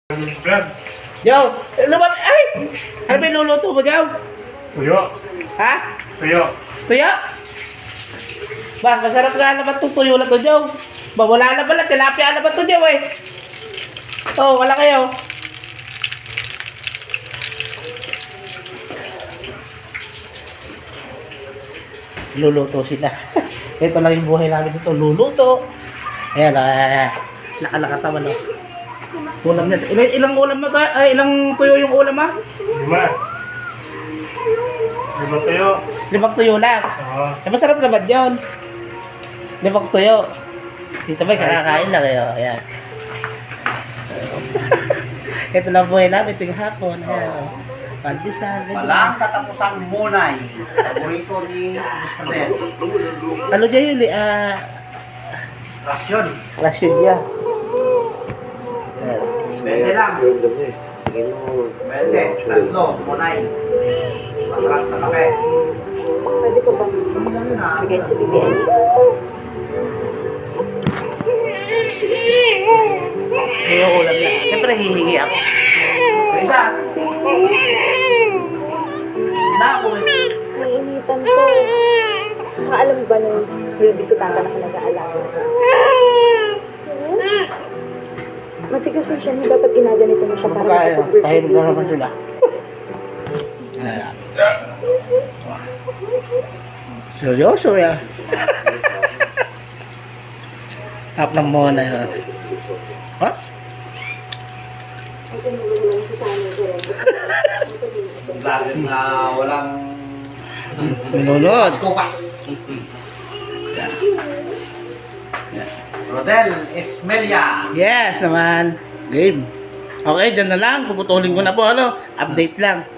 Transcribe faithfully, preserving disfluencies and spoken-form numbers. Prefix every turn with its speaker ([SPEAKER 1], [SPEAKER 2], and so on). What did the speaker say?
[SPEAKER 1] Brad,
[SPEAKER 2] Jow, lumab... Ay! Ano ba yung luluto mo, Jow?
[SPEAKER 1] tuyo.
[SPEAKER 2] Ha?
[SPEAKER 1] Tuyo.
[SPEAKER 2] Tuyo? Ba, masarap nga naman itong tuyo na to, Jow. Ba, wala na pala. Tilapia na ba ito, Jow, eh? Oo, oh, wala kayo. Luluto sila. Ito lang yung buhay namin dito. Luluto. Ayan, ayan. Nakalakatawa, no? Ulam na. Ilang, ilang ulam mo to? Ay, ilang tuyo yung ulam, ha?
[SPEAKER 1] Lima. Lima tuyo.
[SPEAKER 2] Limang tuyo lang.
[SPEAKER 1] Oo.
[SPEAKER 2] Eh, masarap naman yun. Limang tuyo. Dito ba, kakakain lang kayo. Ayan. Ito lang buhay namin tuwing hapon. Ayan. Oh. Pandesal. ganyan.
[SPEAKER 3] Walang katapusang munay. Paborito ni Buscadet.
[SPEAKER 2] Ano dyan yun? eh, Ah,
[SPEAKER 3] Rasyon.
[SPEAKER 2] rasyon niya. Ayan.
[SPEAKER 3] Bente lang. Bente. Tatlo. Munay. Masarap sa kape.
[SPEAKER 4] Pwede ko bang bigay sa B B N?
[SPEAKER 2] May yung ulam niya. Siyempre, hihingi ako. Isa. Na ako eh.
[SPEAKER 4] Naiinitan ko. Saka alam mo ba nung may bisitata na ka nag-aalaga? Matigas yung siya niya. Dapat ginaganito mo siya para
[SPEAKER 2] Kaya,
[SPEAKER 4] makapag-birthday.
[SPEAKER 2] tahimik na naman sila. Ayan. Seryoso yan. Tap ng mona yun. Ha?
[SPEAKER 3] Lagi na walang
[SPEAKER 2] Minunod.
[SPEAKER 3] kupas. Rodel Esmelia.
[SPEAKER 2] Yes naman. Game. Okay, dyan na lang. Puputulin ko na po. Ano? Update lang.